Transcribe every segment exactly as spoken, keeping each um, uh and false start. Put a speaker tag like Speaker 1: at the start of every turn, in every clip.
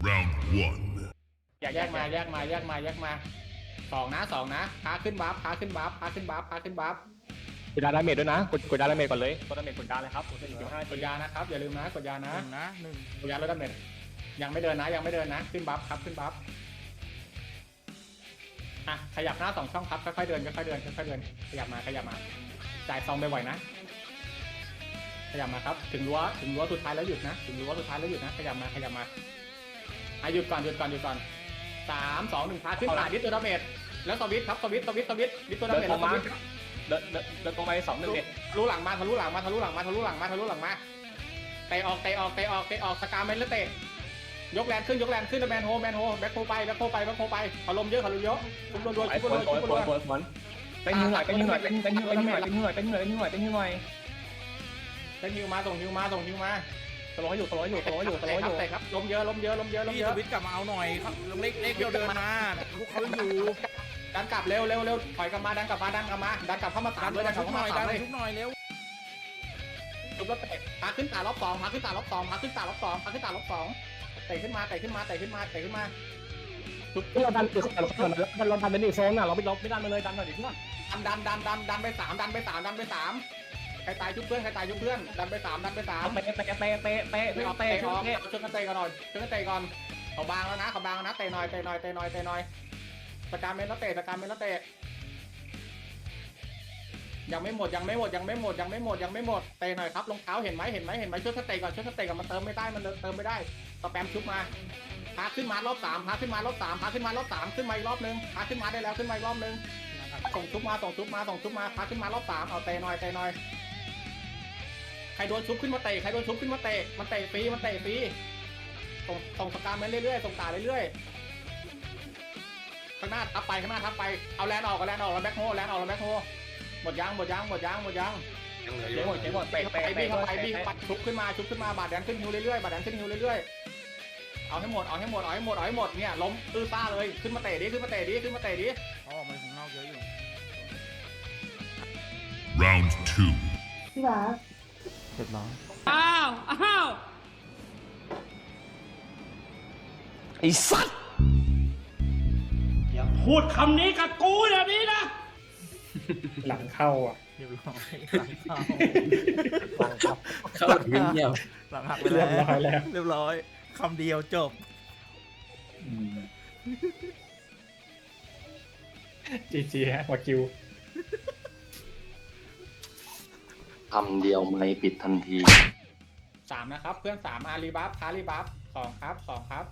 Speaker 1: Round one.
Speaker 2: แยกมาแยกมาแยกมาแยกมาสองนะสองนะพาขึ้นบัฟพาขึ้นบัฟพาขึ้นบัฟพาขึ้นบัฟ
Speaker 3: กดดาเมจด้วยนะกดกดดาเมจก่อนเลยกดดาเมจกดดาเลยครับกดสิบห้าก
Speaker 2: ดยานะครับอย่าลืมนะกดยา
Speaker 4: ห
Speaker 2: นะ
Speaker 4: นึ่งนะหนึ่ง
Speaker 2: กดยาลดดาเมจยังไม่เดินนะยังไม่เดินนะขึ้นบัฟครับขึ้นบัฟอ่ะขยับหน้าสองช่องครับค่อยๆเดินค่อยๆเดินค่อยๆเดินขยับมาขยับมาจ่ายซองไปบ่อยๆนะขยับมาครับถึงรั้วถึงรั้วสุดท้ายแล้วหยุดนะถึงรั้วสุดท้ายแล้วหยุดนะขยับมาขยับมาอ่ะหยุดก่อนหยุดก่อนหยุดก่อนสามสองหนึ่งพาขึ้นขาดิสตัวดาเมจแล้วสวิตครับสวิตสวิตสวิตดิสตัวดาเมจแล้วสวิต
Speaker 3: เดินเดินเดินตรงไปสองหนึ่งเอ็ด
Speaker 2: ทะลุหลังมาทะลุหลังมาทะลุหลังมาทะลุหลังมาทะลุหลังมาเตะออกเตะออกเตะออกเตะออกสกาเมนแล้วเตะยกแรงขึ้นยกแรงขึ้นแมนโฮแมนโฮแบ็คโฮไปแบ็คโฮไปแบ็คโฮไปอารมณ์เยอะอารมณ์เยอะชุบรัวๆ
Speaker 3: ไอ้
Speaker 2: ชุบ
Speaker 3: ฝ
Speaker 2: รั
Speaker 3: น
Speaker 2: วๆ
Speaker 3: ฝ
Speaker 2: ชุ
Speaker 3: น
Speaker 2: บ
Speaker 3: ฝ
Speaker 2: รั
Speaker 3: น
Speaker 2: ว
Speaker 3: ฝนฝนเป็นหิวหน่อยเป็นหิวหน่อยเป็นเป็นหิวหน่อยเป็นหิวหน่อยเป็นหิวหน่อยเป็นหิวหน่อยเป็นหิวหน่อย
Speaker 2: ๆเป็นฮิวมาส่งฮิวมาส่งฮิวมา
Speaker 3: ตลอดอยู่ตลอดอยู่ตลอดอยู่ตลอดอยู่
Speaker 2: เตะครับล้มเยอะล้มเยอะล้มเยอะล้ม
Speaker 4: พี่
Speaker 2: เย
Speaker 4: ส
Speaker 2: อะ
Speaker 4: วิตกลับมาเอาหน่อยครับเล็กเล็กเดียวเดินมาพวกเขาอยู่
Speaker 2: ดันกลับเร็วเร็วเร็วถอยกลับมาดันกลับมาดันกลับมาดันกลับเข้ามา
Speaker 4: ดั
Speaker 2: ตาม
Speaker 4: น
Speaker 2: เลยดันก
Speaker 4: ชุ
Speaker 2: ลับบ
Speaker 4: ห
Speaker 2: เข้า
Speaker 4: น่
Speaker 2: มา
Speaker 4: อยดั
Speaker 2: ตาน มเลย
Speaker 4: ชุบหน่อยเร็ว
Speaker 2: ชุบแล้วเตะพาขึ้นตารอบสองพาขึ้นตารอบสองพาขึ้นตารอบสองพาขึ้นตารอบสองเตะขึ้นมาเตะขึ้นมาเตะขึ้นมาเตะขึ้นมาชุบ
Speaker 3: เราดันเราเราดันเป็นอีกโซนอ่ะเราไม่เราไม่ดันมาเลยดันหน่อยดิเพื่อน
Speaker 2: ดันดันดันดันดันไปสามดันไปสามดันไปสามใครตายชุบเพื่อนใครตายชุบเพื่อนดันไปสามดันไปสาม
Speaker 3: เตะเตะเตะเตะเตะ
Speaker 2: เตะออก
Speaker 3: เตะ
Speaker 2: เตะออก
Speaker 3: เตะ
Speaker 2: ช่วยกันเตะกันหน่อยช่วยกันเตะก่อนเขาบางแล้วนะเขาบางแล้วนะเตะหน่อยเตะหน่อยเตะหน่อยเตะหน่อยสการเมนแล้วเตะสการเมนแล้วเตะยังไม่หมดยังไม่หมดยังไม่หมดยังไม่หมดยังไม่หมดเตะหน่อยครับรองเท้าเห็นไหมเห็นไหมเห็นไหมช่วยกันเตะก่อนช่วยกันเตะก่อนมันเติมไม่ได้มันเติมไม่ได้สแปมชุบมาพาขึ้นมารอบสามพาขึ้นมารอบสามพาขึ้นมารอบสามขึ้นมาอีกรอบนึงพาขึ้นมาได้แล้วขึ้นมาอีกรอบนึงส่งชุบมาส่งชุบมาส่งชุบมาพาขึ้นมารอบสามเอาเตะหน่อยเตะหน่อยใครโดนชุบขึ้นมาเตะใครโดนชุบขึ้นมาเตะมันเตะฟรีมันเตะฟรีส่งส่งสการเมนเรื่อยๆส่งตาเรื่อยๆข้างหน้าทับไปข้างหน้าทับไปเอาแลนออกเอาแลนออกแล้วแบ็คโฮแลนออกแล้วแบ็คโฮหมดยังหมดยังหมดยังหมดยัง
Speaker 3: ยังเหลืออยู่หมดเจ๊หมดเตะ
Speaker 2: ไป
Speaker 3: เตะ
Speaker 2: บี้
Speaker 3: เตะ
Speaker 2: เข้าไปบี้เข้าไปชุบขึ้นมาชุบขึ้นมาบาดแดนขึ้นฮิวเรื่อยๆบาดแดนขึ้นฮิวเรื่อยๆเอาให้หมดเอาให้หมดเอาให้หมดเอาให้หมดเนี่ยล้มตื้อซ่าเลยขึ้นมาเตะดิขึ้นมาเตะดิขึ้นมาเตะดิ
Speaker 4: อ๋อมันของเงาเยอะอยู่
Speaker 1: Round two.
Speaker 5: พี่บาส
Speaker 3: เรียบร้อย
Speaker 6: อ้าว อ้าว
Speaker 3: ไอ้สัตว์
Speaker 6: อย่าพูดคำนี้กับกูแบบนี้นะ
Speaker 2: หลังเข้าอ่ะ
Speaker 4: เรียบร้อยหลังเข้า
Speaker 3: เข้าเงียบ
Speaker 4: หลังหักไปแล้วเรียบร้อยคำเดียวจบ
Speaker 2: จีจีฮะหัวคิว
Speaker 7: คำเดียวไม่ปิดทันที
Speaker 2: สามนะครับเพื่อนสามอารีบัฟคารีบัฟสองครับสองครับ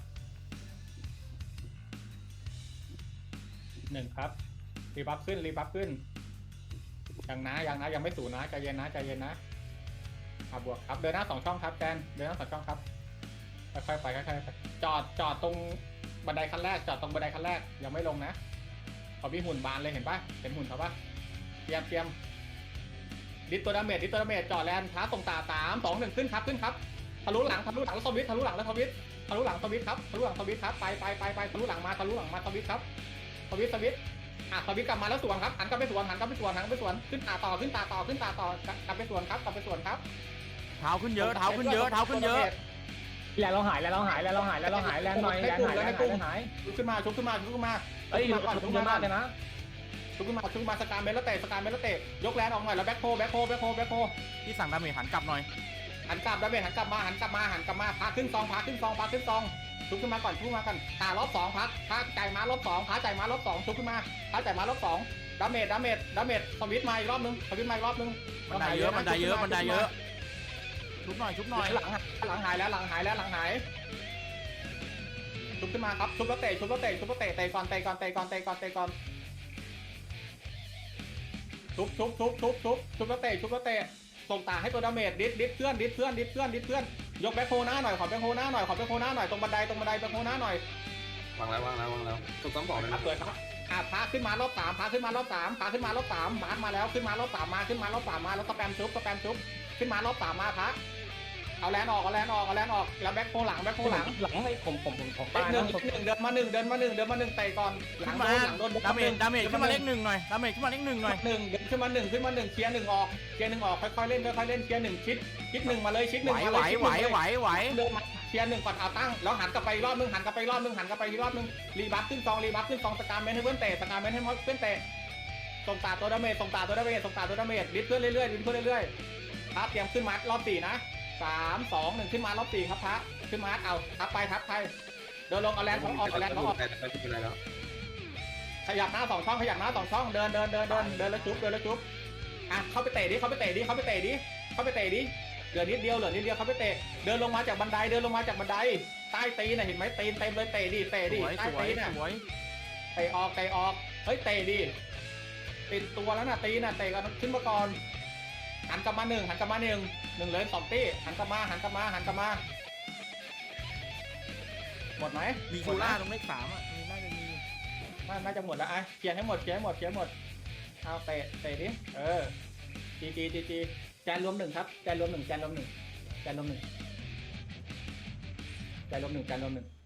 Speaker 2: หนึ่งครับรีบัฟขึ้นรีบัฟขึ้นยังนะยังนะยังไม่สูญนะใจเย็นนะใจเย็นนะอ่ะบวกครับเดินหน้าสองช่องครับแจนเดินหน้าสองช่องครับค่อยๆไปค่อยๆไปจอดจอดตรงบันไดขั้นแรกจอดตรงบันไดขั้นแรกยังไม่ลงนะเขามีหุ่นบานเลยเห็นปะเห็นหุ่นเขาปะเตรียมเตรียมดิสตัวดาเมจดิสตัวดาเมจจอดแลนท้าส่งตาสามสองหนึ่งขึ้นครับขึ้นครับทะลุหลังทะลุหลังแล้วสวิตทะลุหลังแล้วสวิตทะลุหลังสวิตครับทะลุหลังสวิตครับไปไปไปไปทะลุหลังมาทะลุหลังมาสวิตครับสวิตสวิตอ่ะสวิตกลับมาแล้วสวนครับหันกลับไปสวนหันกลับไปสวนหันกลับไปสวนขึ้นตาต่อขึ้นตาต่อขึ้นตาต่อกลับไปสวนครับกลับไปสวนครับ
Speaker 4: เท้าขึ้นเยอะเท้าขึ้นเยอะเท้าขึ้นเยอะ
Speaker 3: แล้วเราหายแล้วเราหายแล้วเราหายแล้วเราหายแล้วหน่อยแล้วหายแล้วหาย
Speaker 2: ชุบขึ้นมาชุบขึ้นมาชุบขึ้นมา
Speaker 3: เฮ้ย
Speaker 2: ชุบขึ้นมาก่อนชุบ
Speaker 3: เย
Speaker 2: ขึ้น
Speaker 3: อะ
Speaker 2: มา
Speaker 3: มากเลยนะ
Speaker 2: ชุบขึ้นมาชุบขึ้นมาสการเมลแล้วเตะสการเมลแล้วเตะยกแลนออกหน่อยแล้วแบ็คโฮแบ็คโฮแบ็คโฮแบ็คโฮ
Speaker 4: ที่สั่งดาเมจหันกลับหน่อย
Speaker 2: หันกลับดาเมจหันกลับมาหันกลับมาหันกลับมาพาขึ้นซองพาขึ้นซองพาขึ้นซองชุบขึ้นมาก่อนชุบมาก่อนตารอบสองพักพาใจมารอบสองพาใจมารอบสองชุบขึ้นมาพาใจมารอบสองดาเมจดาเมจดาเมจสวิตมาอีกรอบนึงสวิตมาอีกรอบนึง
Speaker 4: บันไดเยอะบันไดเยอะบันไดเยอะชุบหน่อยชุบหน่อย
Speaker 2: หลังหลังหายแล้วหลังหายแล้วหลังหายชุบขึ้นมาครับชุบแล้วเตะชุบแล้วเตะชุบแล้วเตะเตะก่อนเตะก่อนเตะก่อนเตะก่อนเตะก่อนชุบชุบชุบชุบชุบชุบแล้วเตะชุบแล้วเตะส่งตาให้ตัวดาเมจดิสดิสเพื่อนดิสเพื่อนดิสเพื่อนดิสเพื่อนยกแบ็คโฮหน้าหน่อยขอแบ็คโฮหน้าหน่อยขอแบ็คโฮหน้าหน่อยตรงบันไดตรงบันไดแบ็คโฮหน้าหน่อยว
Speaker 7: างแล้ววางแล้ววางแล้วถูกต้องบอกเลย
Speaker 2: ครับ
Speaker 7: นะ
Speaker 2: เปิดครับอ่ะพาขึ้นมารอบสามพาขึ้นมารอบสามพาขึ้นมารอบสามมาร์คมาแล้วขึ้นมารอบสามมาขึ้นมารอบสามมาแล้วสแปมชุบสแปมชุบขึ้นมารอบสามมาพาเอาแลนออกเอาแลนออกเอาแลนออกแล้วแบ็คโฮหลังแบ็คโฮหลัง
Speaker 3: หลังให้ผมผมผมผม
Speaker 2: เลขหนึ่งหนึ่งเดินมาหนึ่งเดินมาหนึ่งเดินมาหนึ่งเตะก่อนหลั
Speaker 4: ขึ้
Speaker 2: ง
Speaker 4: น
Speaker 2: โด
Speaker 4: มาน
Speaker 2: หลังโดน
Speaker 4: ดาเมจดาเมจขึ้นมาเลขหนึ่งหน่อยดาเมจขึ้นมาเลขหนึ่งหน่อย
Speaker 2: หนึ่งเดินขึ้นมาหนึ่งขึ้นมาหนึ่งเคลียร์หนึ่งออกเคลียร์หนึ่งออกค่อยๆเล่นค่อยๆเล่นเคลียร์หนึ่งชิดชิดหนึ่งมาเลยชิดห
Speaker 4: ไหว
Speaker 2: นึ่งมา
Speaker 4: ไหว
Speaker 2: เลย
Speaker 4: ไหวไหวไหว
Speaker 2: เดินมาเคลียร์หนึ่งก่อนเอาตั้งแล้วหันกลับไปอีกรอบนึงหันกลับไปอีกรอบนึงหันกลับไปอีกรอบนึงรีบัฟขึ้นซองรีบัฟขึ้นซองสกาเมนให้เพื่อนเตะสกาเมนให้เพื่อนเตะส่งตาตัวดาเมจส่งตาตัวดาเมจส่งตาตัวดาเมจดิสเพื่อนเรื่อยๆดิสเพื่อนเรื่อยๆครับเตรียมขึ้นมารอบสี่นะสามสองหนึ่งขึ้นมารอบสี่ครับพระขึ้นมาเอาทับไปทับไปเดินลงเอาแลนด์ของออกเอาแลนด์ของออก
Speaker 7: ไปไปไปแล้ว
Speaker 2: ขยับหน้าสองช่องขยับหน้าสองช่องเดินเดินเดินเดินเดินแล้วจุ๊บเดินแล้วจุ๊บอ่ะเข้าไปเตะดิเข้าไปเตะดิเข้าไปเตะดิเข้าไปเตะดิเหลือนิดเดียวเหลือนิดเดียวเข้าไปเตะเดินลงมาจากบันไดเดินลงมาจากบันไดใต้ตีนน่ะเห็นไหมตีนเต็มเลยเตะดิเตะ
Speaker 4: ส
Speaker 2: ดิ
Speaker 4: วย
Speaker 2: ใต้
Speaker 4: สวย
Speaker 2: ตีนน่ะ
Speaker 4: สวย
Speaker 2: เตะออกเตะออกเฮ้ยเตะดิติดตัวแล้วน่ะตีนน่ะเตะกันขึ้นมาก่อนหันกลับมาหนึ่งหันกลับมาหนึ่งหนึ่งเลยสองตีหันกลับมาหันกลับมาหันกลับมาหมดไหม
Speaker 4: มีชูล่าตรงเลขสามอ่ะมีน่าจะมี
Speaker 2: น่าน่าจะหมดแล้วไอ้เคลียร์ให้หมดเคลียร์ให้หมดเคลียร์ให้หมดเอาเตะเตะดิเออจีจีจีจีแจนรวมหนึ่งครับแจนรวมหนึ่งแจนรวมหนึ่งแจนรวมหนึ่งแจนรวมหนึ่งแจนรวมหนึ่ง